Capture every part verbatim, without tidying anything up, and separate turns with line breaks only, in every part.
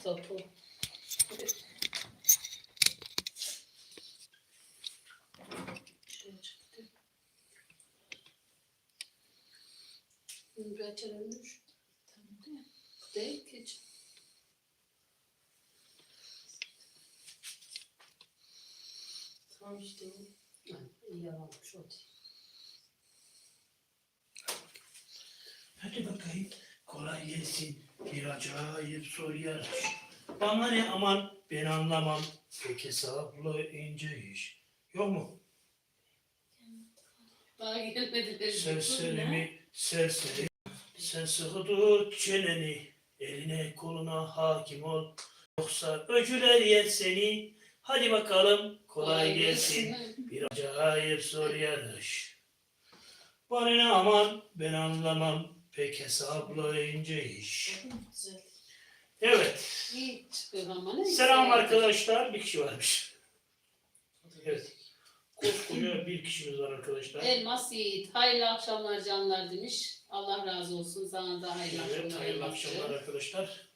topu. Şöyle çıktı. Bunu bir açılmış. Tamam değil mi? Değil ki. Tamam işte o. Yani iyi yalanmış o değil.
Hadi bakayım. Kolay gelsin. Bir acayip soru yarış. Bana ne aman ben anlamam. Pek hesaplı ince iş. Yok mu?
Daha gelmediler.
Serseri mi serseri. Sen sıkı tut çeneni. Eline koluna hakim ol. Yoksa öcüler yer seni. Hadi bakalım kolay gelsin. Bir acayip soru yarış. Bana ne aman ben anlamam. Pek hesaplı ince iş.
Güzel.
Evet.
İyi çıkıyor ama ne?
Selam arkadaşlar. Bir kişi varmış. Evet. Koskoca bir kişimiz var arkadaşlar.
Elmas Yiğit. Hayırlı akşamlar canlar demiş. Allah razı olsun. Sana da hayırlı
Evet,
akşamlar.
hayırlı
Elmas'cığım.
akşamlar arkadaşlar.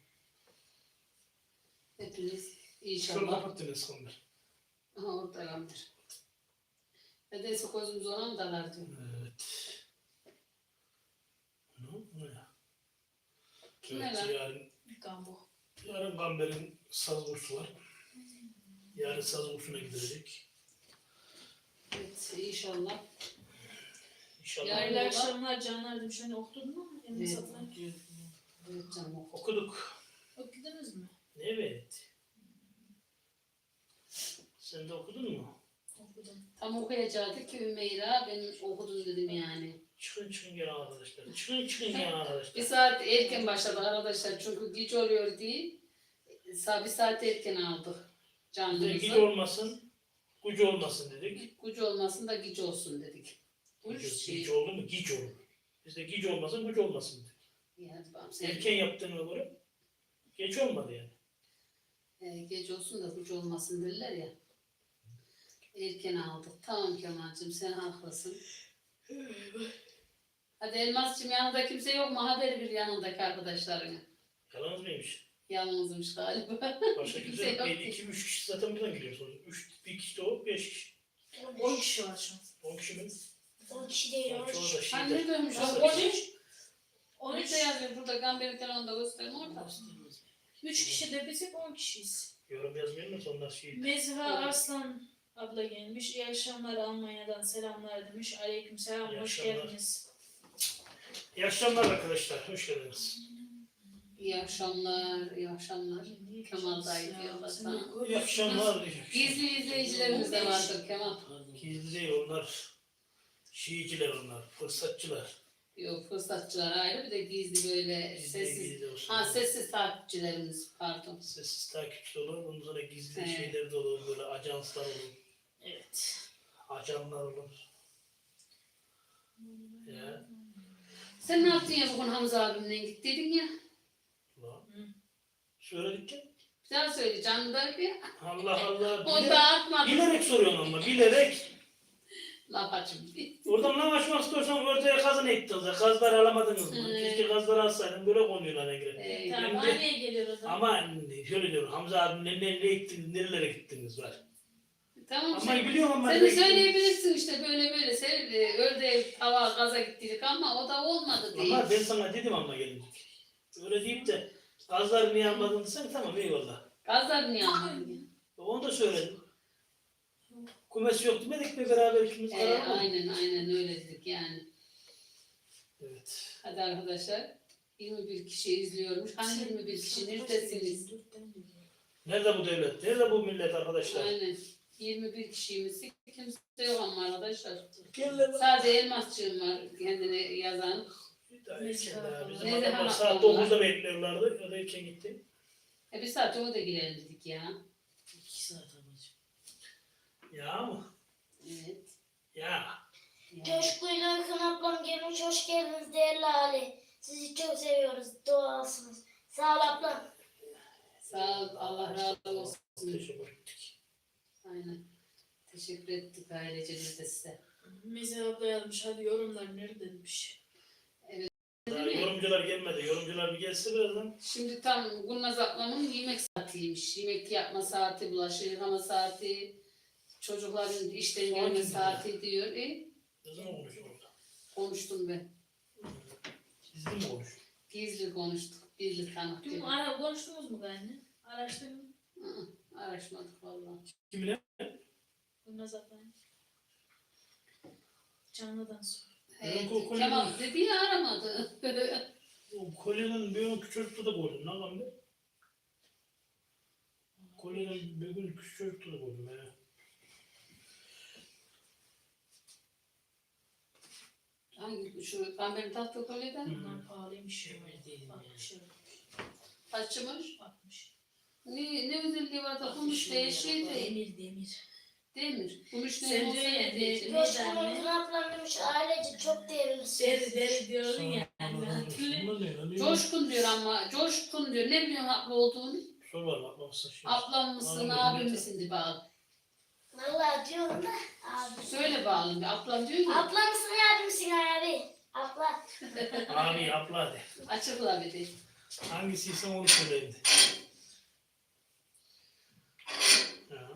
Hepiniz
Şunu
inşallah.
kapattınız konuları.
Aha orada yandır. Nedense gözümüz ona mı dalar diyor.
Evet. Ne? Ne?
Kim
Evet,
ne lan?
yarın,
Gambo.
yarın Gamber'in saz kursu var. Yarın saz kursuna gidecek.
Evet inşallah.
İnşallah.
Yarın-
Hayırlı akşamlar canlar demiş. Hani okudun mu? Emin
Evet.
satılan.
Evet canım oku.
Okuduk.
Okudunuz mu?
Evet. Sen de okudun mu?
Okudum.
Tam okuyacaktı ki Ümeyra ben okudum dedim yani.
Çıkın çıkın gel arkadaşlar. Çıkın çıkın gel
Bir
arkadaşlar.
saat erken başladı arkadaşlar çünkü geç oluyor diye. Sa- Bir saat erken aldık
Bir de güç
canlımızı.
olmasın, güç olmasın dedik.
Güç olmasın da güç olsun dedik. Güç
Güç,
şey.
güç oldu mu? Giç olur. Bizde giç olmasın, güç olmasın dedik.
Yani babam sen
Erken yaptığına göre geç olmadı yani.
e, geç olsun da güç olmasın derler ya. Erken aldık. Tamam Kemal'cığım sen haklısın. Hadi Elmas'cığım yanında kimse yok mu? Haber bir yanındaki arkadaşlarına.
Yalan mıymış?
Yalnızmış galiba.
Başka kimse
Kimse
yok.
yok
Bir,
ki.
iki, üç kişi zaten buradan geliyorsunuz. Üç, bir kişi de o, beş kişi.
on kişi var şu an.
On kişi mi?
on kişi değil.
On çoğu da
Hani
şeyde.
ne dönmüş?
Nasıl?
on üç.
on
on
üç.
üçte yazıyor burada Gamber'in telefonunda gösterin orada.
üç kişi de biz hep on kişiyiz.
Yorum yazmıyor mu? Onlar şey.
Mezha Arslan abla gelmiş. İyi akşamlar Almanya'dan selamlar demiş. Aleyküm selam.
İyi
Hoş
akşamlar.
geldiniz.
İyi akşamlar arkadaşlar. Hoş geldiniz.
İyi akşamlar, iyi akşamlar. Kemal dayı diyorlar sana.
İyi akşamlar.
Gizli izleyicilerimiz de vardır Kemal.
Gizli değil onlar. Şiiciler onlar. Fırsatçılar.
Yok fırsatçılar ayrı bir de gizli böyle
Gizli
sessiz.
gizli olsun.
Ha sessiz takipçilerimiz pardon.
Sessiz takipçi olur. Bunun sonra gizli
Evet.
şeyler de olur. Böyle ajanslar olur.
Evet.
Ajanlar olur. Ya.
Sen ne yaptın ya bugün Hamza abimle gittiydin ya?
Ulan. Söyledik ya.
Bir daha söyle canlı da bir.
Allah Allah.
Onu
Bilerek,
da atmadım.
bilerek soruyorsun ama bilerek.
Laf açım.
Oradan lan açmak istiyorsan ortaya kazın ettiniz. Kazları alamadınız mı?
Hı.
Keşke kazları alsaydın. Böyle konuyorlar ne gerek.
Ee,
Tamam.
Şimdi-
Anneye geliyor o zaman.
Ama şöyle diyorum. Hamza abimle nereye gittiniz? Nerelere gittiniz var.
tamam
Ama
sen,
biliyorum ama.
sen de
nereye gittiniz.
söyleyebilirsin işte böyle böyle. Sen e, ördeğe tava gaza gittik ama o da olmadı diye.
Ama ben sana dedim ama gelince. Öyle deyip de kazları niye almadın sen tamam eyvallah.
Gazlar niye almadın?
Onu da söyledim. Kumesi yok demedik mi beraber ikimiz
Ee,
karar almadık.
aynen aynen öyle dedik yani.
Evet.
Hadi arkadaşlar. yirmi bir kişi izliyormuş. Hani yirmi bir kişi neredesiniz?
Nerede bu devlet? Nerede bu millet arkadaşlar?
Aynen. yirmi bir kişimiz. Kimse yok ama arkadaşlar.
Gel lan.
Sadece elmasçığım var kendine yazan.
Daha erken daha. Bizim
Neyse,
adamlar
ha,
saat
Allah.
dokuzda bekliyorlardı. Ya da erken gitti.
E bir saat o da girelim dedik ya.
İki saat amacım.
Ya mı?
Evet.
Ya.
Yani.
Coşkuyla Akın ablam gelmiş. Hoş geldiniz değerli Ali. Sizi çok seviyoruz. Doğalsınız. Sağ ol ablam.
Sağ ol. Allah razı olsun.
Teşekkür ettik.
Aynen. Teşekkür ettik ailece biz de size.
Mezha abla yazmış. Hadi yorumlar nerede demiş.
Daha
Değil mi?
yorumcular gelmedi. Yorumcular bir gelse birazdan.
Şimdi tam Gülnaz ablamın yemek saatiymiş. Yemek yapma saati, bulaşık yıkama saati, çocukların işten
Saat
gelme
mi
saati diyor. E,
Ne zaman konuştuk orada?
konuştum ben.
Gizli mi konuştuk?
Gizli konuştuk. Gizli tanık
Dün
gibi.
ara konuştunuz mu benimle? Araştırdım.
Hı hı, araşmadık vallahi.
Kimle?
Bunlar zaten. Canlıdan sonra.
Evet,
Yok, o konu
Kemal
değil.
dedi ya aramadı.
O kolyenin bir gün küçük çocukta da koydum. Ne lan be? Kolyenin bir gün küçük çocukta da koydum. He.
Hangi şu kamberin tatlı kolyeden
Hı.
Bunlar pahalıymış. ya. altmış euro.
kaçmış?
altmış.
Ne, ne özelliği var da gümüş değil şey değil.
Demir demir.
Demir. Gümüş ne
Sen
olsa
diyor ya,
ne
de-
diyecek?
de-
Coşkun'un Trabzon demiş ailece çok değerlisiniz.
Deri deri diyordun ya.
Sana-
Hatırlıyor musun?
Bunlar ne lan?
Coşkun diyor ama coşkun diyor. Ne biliyorsun haklı olduğunu?
Sor var mı? Baksa şey.
Ablam mısın,
Anladım,
abim
evet.
misin diye bağlı.
Vallahi diyorum da abi.
Söyle bağlı. Ablam diyor ki
Abla mısın abi misin abi? Abla.
Abi abla hadi.
açıkla bir de.
Hangisiyse onu söyleyeyim de. Ha.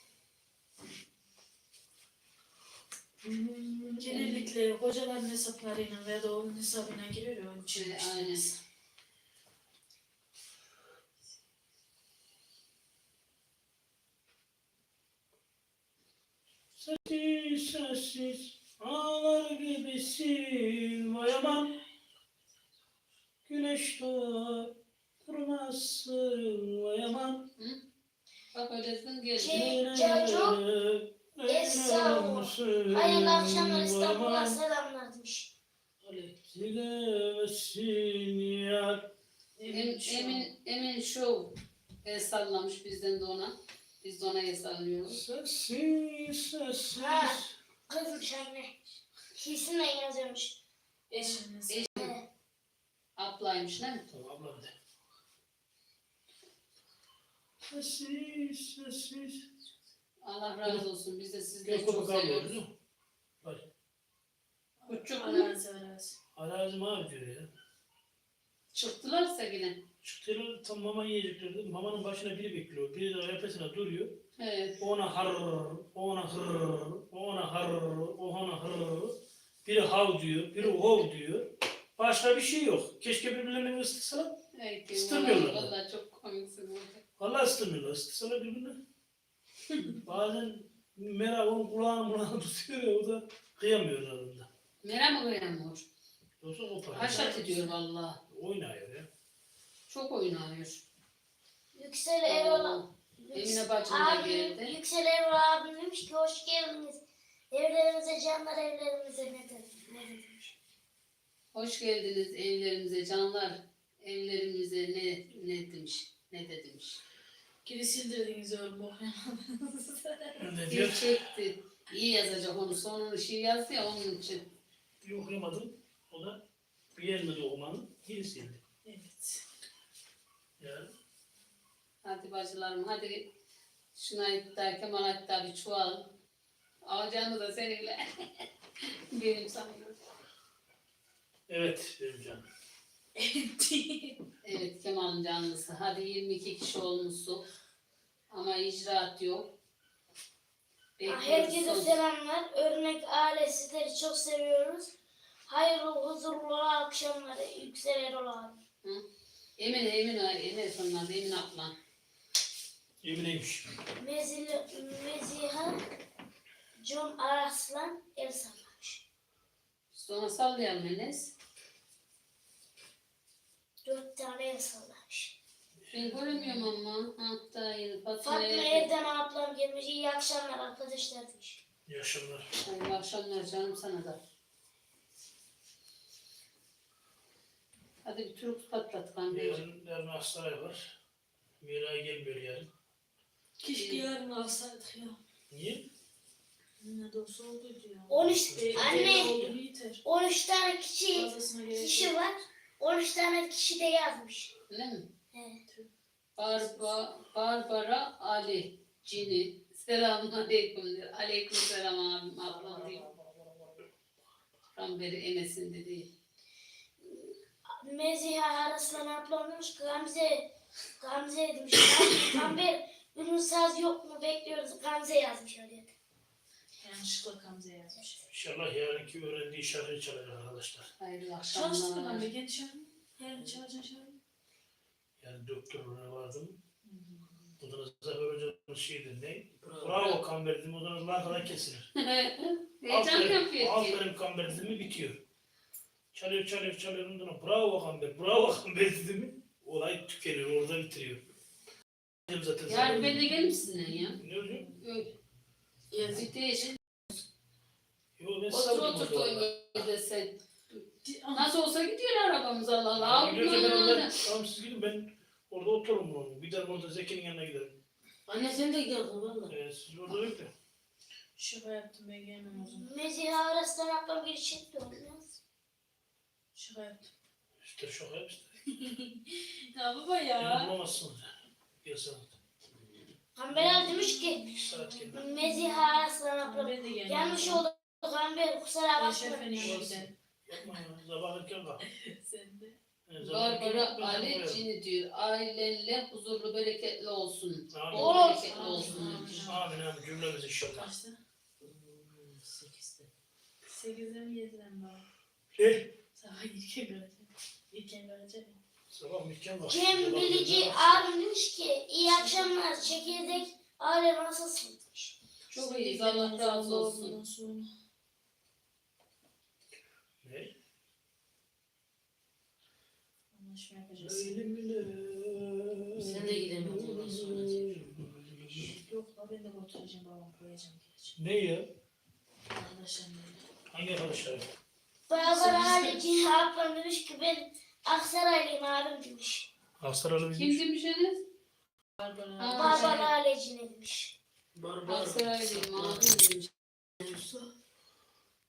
Genellikle kocaların hesaplarıyla veya da onun hesabına giriyor ya onun için.
Ee,
işte.
aynen.
Sessiz sessiz ağlar gibisin vay aman. Güneş doğar durmazsın vay aman.
Bak öylesin geldi.
Şey, Çocuk, Esra, hayırlı akşamlar İstanbul'a selamlar demiş.
Silemezsin yar.
Em, Emin, Emin Show el sallamış bizden de ona. Biz de ona el sallıyoruz.
Sessiz sessiz.
Ha. Kızmış anne. Kesinle yazıyormuş.
Eşiniz.
Eş- Ablaymış değil mi?
Tamam ablam de. Sessiz sessiz.
Allah razı olsun. Biz de sizleri
Yok
çok
kopuk almıyoruz
seviyoruz.
değil mi? Bak.
Küçük mü?
Allah'ın seversin.
Arazim abi diyor ya.
Çıktılarsa yine.
Çıktılar tam mama yiyeceklerdi. Mamanın başına biri bekliyor. Biri de repesine duruyor.
Evet.
O ona har, o ona hır, o ona har, o ona hır. Biri hav diyor, biri hov diyor. Başka bir şey yok. Keşke birbirlerini ısıtsalar.
Evet.
Isıtmıyorlar.
Vallahi, vallahi çok komiksin burada.
Vallahi ısıtmıyorlar. Isıtsalar birbirine. Bazen merak onun kulağını kulağını tutuyor ya o da kıyamıyor arasında.
Meram mı kıyamıyor?
Yoksa kopar.
Haşat ediyor vallahi.
Oynuyor ya.
Çok oynuyor.
Yüksel Erol.
Emine bacım da
Abi,
geldi.
Yüksel Erol abim demiş ki hoş geldiniz. Evlerimize canlar evlerimize ne dedi? Ne demiş?
Hoş geldiniz evlerimize canlar. Evlerimize ne ne demiş? Ne de demiş.
Geri sildirdiniz oğlum okuyamadınız.
Ne diyor?
Gerçekti. İyi yazacak onu. Sonunu şey yazdı ya onun için.
Bir okuyamadım. O da bir yerinde okumanın gerisiydi.
Evet.
Yani
Hadi bacılarım hadi. Şuna iddia Kemal hatta bir çuval. Alacağını da seninle. Benim sanıyorum.
evet benim canım.
Evet Kemal'in canlısı. Hadi yirmi iki kişi olmuşsun. Ama icraat yok.
Ah, herkese
Bekliyoruz.
selamlar. Örnek aile sizleri çok seviyoruz. Hayırlı huzurlu akşamlar Yüksel Erol abi.
Emine, Emine, Emine sonunda Emine ablan.
Emineymiş.
Mezil, Meziha John Araslan el sallamış.
Sonra sallayalım Enes.
Dört tane el sallamış.
Ben göremiyorum ama. Hatta yeni
Fatma
Fatma'ya.
Erdem ablam gelmiş. İyi akşamlar arkadaşlar demiş.
İyi akşamlar.
Hayırlı akşamlar canım sana da. Hadi bir turp patlat kamyonu.
Yarın, yarın hastane var. Miray gelmiyor yarın.
Keşke yarın alsaydık ya.
Niye?
Ne de olsa oldu ya.
on üç
E,
anne
oldu yeter.
on üç tane kişi
Fazlasına gerek
kişi
yok.
var. on üç tane kişi de yazmış.
Öyle mi?
Evet.
Barba, Barbara Ali Cini. Selamun aleyküm diyor. Aleyküm selam abim ablam diyor. Tam beri Enes'in dediği.
Meziha arasından ablam demiş ki Gamze, Gamze demiş. Gamber ünlü saz yok mu bekliyoruz. Gamze yazmış öyle.
Yanlışlıkla Gamze yazmış.
İnşallah yarınki öğrendiği şarkıyı çalar arkadaşlar.
Hayırlı
Çalıştın mı
akşamlar.
Gamze? Kendi şarkı. Her çalacaksın şarkı.
Yani doktoruna vardım. Odanızda hocamız şeydir ne? Bravo kamber dedim. Odanızda arkadan kesilir.
Heyecan yapıyor ki.
Aferin kamber dedim mi bitiyor. Çalıyor çalıyor çalıyor. Ondan sonra bravo kamber. Bravo kamber dedim mi? Olay tükeniyor. Orada bitiriyor. Zaten
Yani ben de gelir misin ya?
Ne hocam?
Öyle. Yazık değil.
Yo ben
Otur
savundum
otur
o zaman.
koyun sen. Nasıl olsa gidiyor arabamız Allah Allah.
Gidiyorsa ben
Allah
orada,
Allah.
tamam siz gidin ben orada otururum onu. Giderim orada Zeki'nin yanına giderim.
Anne sen de gidiyorsun valla.
Ee, siz orada bekle.
Şaka yaptım ben gelmem o zaman.
Meziha arasından ablam bir çıktı olmaz.
Şaka yaptım.
İşte şaka yap işte.
Ya baba
Beni
ya.
bulamazsınız. Bir saat.
Gamber abi demiş ki
İki saat geldi.
Meziha arasından ablam.
Ben de gelmem.
Yanlış oldu Gamber kusura
Ben
bakma.
şefenin yanına giderim.
Yapma ya. Sabah erken kalk.
Sen de.
Yani sabah erken
Barbara
kalk, ben
Ali
sana koyarım.
Cini diyor. Ailenle huzurlu bereketli olsun.
Amin.
Bol
Olur.
bereketli olsun. diyor.
Amin amin cümlemiz inşallah.
Kaçta?
Hmm, sekizde.
Sekizde mi yedide mi baba?
Ne?
Sabah erken kalacağım. Erken kalacağım.
Sabah erken kalk.
Cem
Sabah
Bilici
erken kalk.
abim demiş ki iyi akşamlar çekirdek aile nasılsın demiş.
Çok iyiyiz. Allah razı olsun.
Sonra.
Ne?
Anlaşma yapacağız.
Öyle mi ne?
Sen de gidemedin ondan sonra.
Yok la ben de oturacağım babam koyacağım geleceğim.
Ne ya?
Arkadaşlarım
Hangi arkadaşlar?
Barbara Alici ablam demiş ki ben Aksaraylıyım abim demiş.
Aksaralı
Kim demişsiniz?
Barbara.
Aa,
Barbara Alici ne demiş.
Barbar.
Aksaraylıyım abim demiş.